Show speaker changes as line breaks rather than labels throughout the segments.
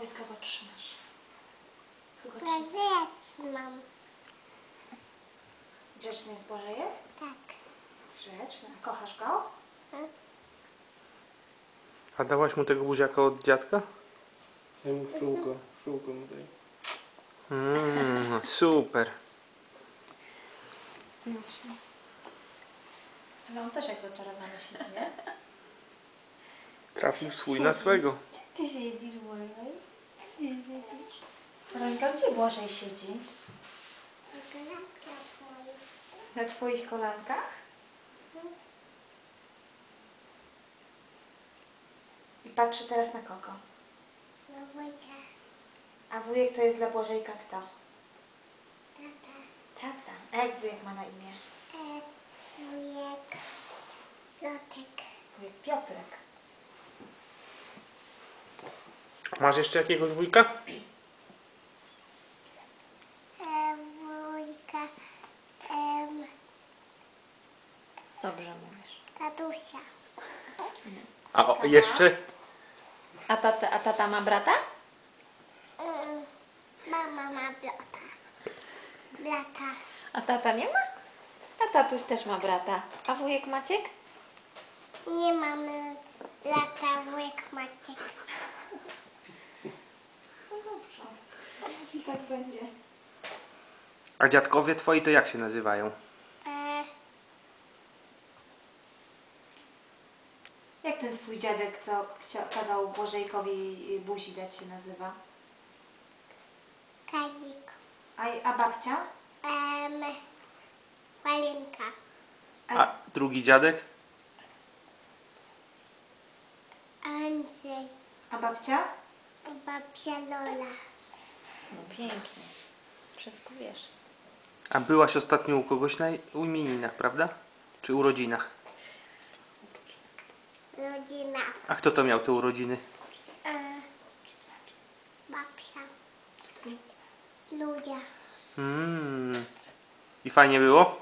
Powiedz, kogo trzymasz. Kogo
Prezent mam.
Grzeczny jest Błażejek?
Tak.
Grzeczny. A kochasz go?
A dałaś mu tego buziaka od dziadka? Daj mu pszczółkę mu daj. Super.
Ale on też jak zaczarowany siedzi, nie?
Trafił swój na swego.
Ty siedzisz, Błażej? Gdzie siedzisz? Weronika, gdzie Błażej siedzi? Na twoich kolankach? I patrzy teraz na kogo?
Na wujka.
A wujek to jest dla Błażejka kto?
Tata.
Tata. A jak wujek ma na imię?
Wujek. Piotrek.
Wujek Piotrek.
Masz jeszcze jakiegoś wujka?
Wujka.
Dobrze mówisz.
Tatusia.
A jeszcze?
A tata ma brata?
Mama ma blata. Blata.
A tata nie ma? A tatuś też ma brata. A wujek Maciek?
Nie mamy blata, wujek Maciek.
No dobrze. I tak będzie.
A dziadkowie twoi to jak się nazywają?
Jak ten twój dziadek, co kazał Błażejkowi buzi dać, się nazywa?
Kazik.
A babcia?
Walinka.
A drugi dziadek?
Andrzej.
A babcia?
Babcia Lola.
No pięknie. Wszystko wiesz.
A byłaś ostatnio u kogoś na imieninach, prawda? Czy urodzinach?
Rodzina.
A kto to miał te urodziny?
Babcia. Ludzie.
I fajnie było?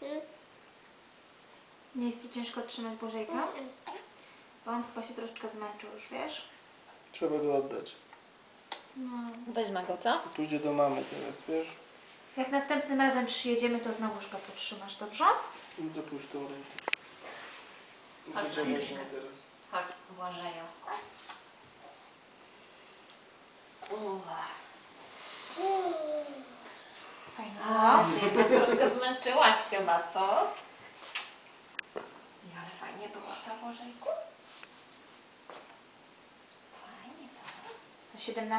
Nie jest ci ciężko trzymać Błażejka? Bo on chyba się troszeczkę zmęczył już, wiesz?
Trzeba go oddać.
No.
Weźmy go, co?
Pójdzie do mamy teraz, wiesz?
Jak następnym razem przyjedziemy, to znowuż go potrzymasz, dobrze?
I dopuść tą rękę.
Chodź,
Gdzie
Dominika.
weźmie teraz?
Chodź, Błażeju.
Fajnie
A,
było.
się tak troszkę zmęczyłaś chyba, co? Nie, ale fajnie było, co Błażejku? Fajnie było.
117